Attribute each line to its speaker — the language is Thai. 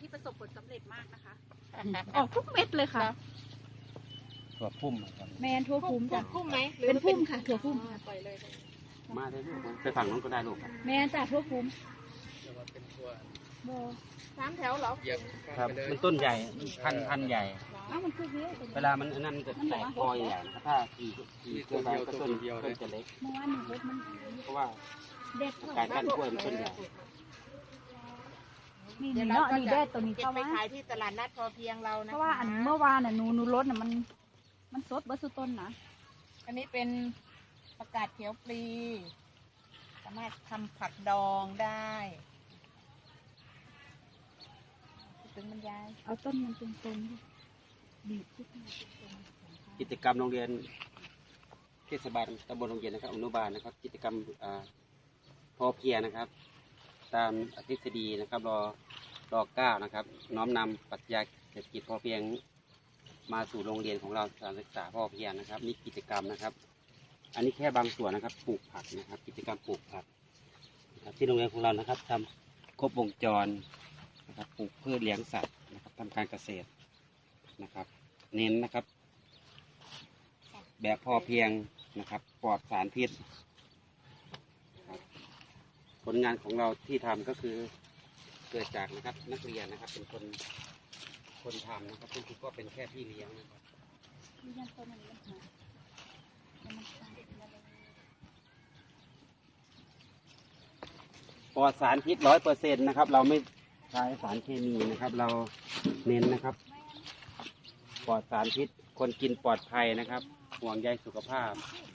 Speaker 1: ที่ประสบผลสำเร็จมากนะคะ
Speaker 2: ออกทุกเม็ดเลยค่ะ
Speaker 3: ตัวพุ่มครับ
Speaker 2: แมนทั่วภูมิจ้ะ
Speaker 4: พุ่มไหม
Speaker 2: เป็นพุ่มค่ะถั่วพุ่มค่ะ
Speaker 4: ปล่อยเลย
Speaker 3: มาได้ลูกไปฝั่งนู้นก็ได้ลูกครับ
Speaker 2: แมนจ้ะทั่วภูมิ
Speaker 5: จะมาเป็นตัว
Speaker 2: โบ
Speaker 4: 3 แถวเหรอ
Speaker 5: เหยียบ
Speaker 3: ครับ
Speaker 5: ไปเลย
Speaker 3: มันต้นใหญ่พันใหญ่
Speaker 2: เอ้ามันคือเยอะ
Speaker 3: เวลามันนั่นมันจะแตกคอใหญ่นะครับถ้าขี่เกินไปก็ต้นจะเล็ก
Speaker 2: เมื่อวานหนูรถมัน
Speaker 3: เพราะว่า
Speaker 2: เด็ด
Speaker 3: การกั้นกล้วยมันต้นใหญ่
Speaker 2: นี่
Speaker 4: เดี๋ยว
Speaker 2: เนาะ
Speaker 4: เราก็
Speaker 2: นี่
Speaker 4: จะ
Speaker 2: เด็ดตัวนี้
Speaker 4: เก็บ
Speaker 2: เข้า
Speaker 4: ไป
Speaker 2: มา
Speaker 4: ขายที่ตลาดนัดพอเพียงเรานะ
Speaker 2: เพราะว่าอันเมื่อวานน่ะหนูรถน่ะมันสดเบอร์สุต้นนะ
Speaker 4: อันนี้เป็นประกาศเขียวปลีสามารถทำผักดองได้ถึงบรรยาย
Speaker 2: เอาต้นมันตรงๆดิบีบขึ้นมา
Speaker 3: กิจกรรมโรงเรียนเทศบาลตำบลโรงเรียนนะครับอนุบาลนะครับ กิจกรรมพอเพียงนะครับ ตามทฤษฎีนะครับร9นะครับ น้อมนำปรัชญาเศรษฐกิจพอเพียงมาสู่โรงเรียนของเราการศึกษาพอเพียงนะครับนี่กิจกรรมนะครับ อันนี้แค่บางส่วนนะครับปลูกผักนะครับ กิจกรรมปลูกผักนะครับที่โรงเรียนของเรานะครับทำครบวงจรนะครับปลูกพืชเลี้ยงสัตว์นะครับทำการเกษตรนะครับ เน้นนะครับ แบบพอเพียงนะครับปลอดสารพิษครับผลงานของเราที่ทำก็คือเกิดจากนะครับนักเรียนนะครับเป็นคนทำนะครับคุณครูก็เป็นแค่พี่เลี้ยงนะครับ
Speaker 2: นี่ยังต้นมันหามันตายมาเลย
Speaker 3: ปลอดสารพิษ100%นะครับเราไม่ใช้สารเคมีนะครับ เราเน้นนะครับปลอดสารพิษคนกินปลอดภัยนะครับห่วงใยสุขภาพ